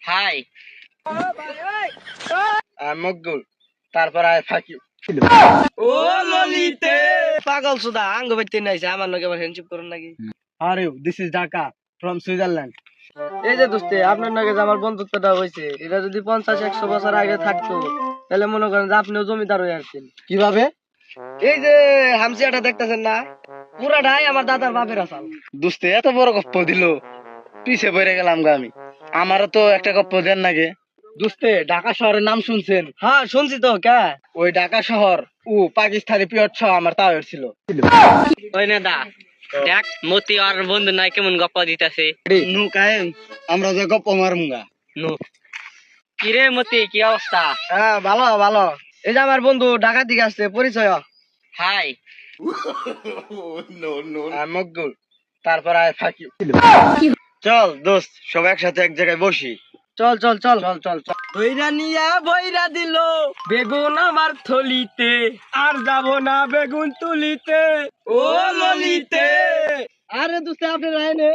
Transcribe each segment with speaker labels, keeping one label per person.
Speaker 1: High.
Speaker 2: Maqbool, তারপর আয় ফাঁকি।
Speaker 1: ও ললিতে পাগল সুদা আঙ্গ বাইতে নাইছে আমার লগে আবার হ্যান্ডশিপ করুন নাকি?
Speaker 2: আর you, this is Dhaka from Switzerland.
Speaker 1: এই যে দোস্তে আপনার লগে যে আমার বন্ধুত্বটা হয়েছে, এটা যদি 50-100 বছর আগে থাকতো তাহলে মনে করেন যে আপনিও জমিদার হয়ে আসছেন।
Speaker 2: কিভাবে?
Speaker 1: এই যে হামসিয়াটা দেখতেছেন না, পুরাটাই আমার দাদার বাপের আসাল।
Speaker 2: দোস্তে এত বড় গপ্প দিল, পিছে পড়ে গেলাম গা আমি। আমারও তো একটা গপ্প দেন নাকি? দোস্তে, ঢাকা শহরের নাম শুনছেন?
Speaker 1: হ্যাঁ শুনছি তো, কে?
Speaker 2: ওই ঢাকা শহর পাকিস্তানি পিয়র ছ আমার তাও ছিল।
Speaker 1: ওই না দা দেখ মতি আর বন্ধু নাই কেমন গপ্প দিতেছে।
Speaker 2: নু কায়ে আমরা যে গপ্প মারমুগা।
Speaker 1: নো কিরে মতি, কি অবস্থা?
Speaker 2: হ্যাঁ, ভালো ভালো।
Speaker 1: এই যে আমার বন্ধু ঢাকা দিকে আসছে, পরিচয়। হাই।
Speaker 2: মকবুল, তারপর আয় ফাঁকি। চল দোস্ত, সব একসাথে এক জায়গায় বসি।
Speaker 1: চল চল চল
Speaker 2: চল চল চল।
Speaker 1: বইরা নিয়া বইরা দিল বেগুন আমার থলিতে, আর যাব না বেগুন তুলিতে। ও ললিতে।
Speaker 2: আরে দোস্ত, আপনি রায়নে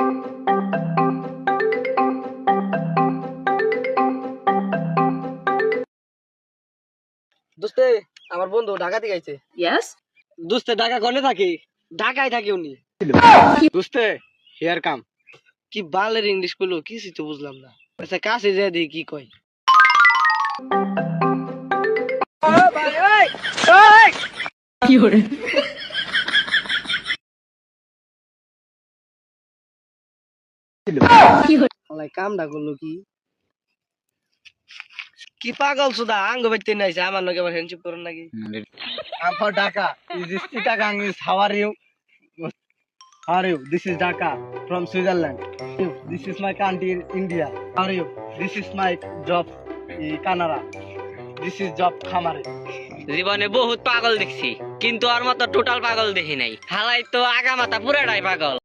Speaker 1: দোস্তে, আমার বন্ধু ঢাকা থেকে আইছে।
Speaker 3: Yes?
Speaker 2: দোস্তে, ঢাকা কোনে থাকি?
Speaker 1: ঢাকায় থাকে উনি।
Speaker 2: দোস্তে, হিয়ার কাম।
Speaker 1: কি বালের ইংলিশ কইলো, কিছুই তো বুঝলাম না। আচ্ছা কাছে যা দেখি কি কয়।
Speaker 3: Fiore. Fiore.
Speaker 1: আলাই কামটা করলো কি? কি পাগল সুদা আঙ্গ বাইতে নাইছে আমার লগে আবার হ্যান্ডশিপ করুন নাকি?
Speaker 2: I'm for Dhaka. Is this Chittagong? Is how are you? How are you? This is Dhaka from Switzerland. This is my country, India. How are you? This is my job, Canada. This is job, Khamare.
Speaker 4: জীবনে বহুত পাগল দেখছি কিন্তু আর মতো total পাগল দেখি নাই। হালাই তো আগা মাথা পুরাটাই পাগল।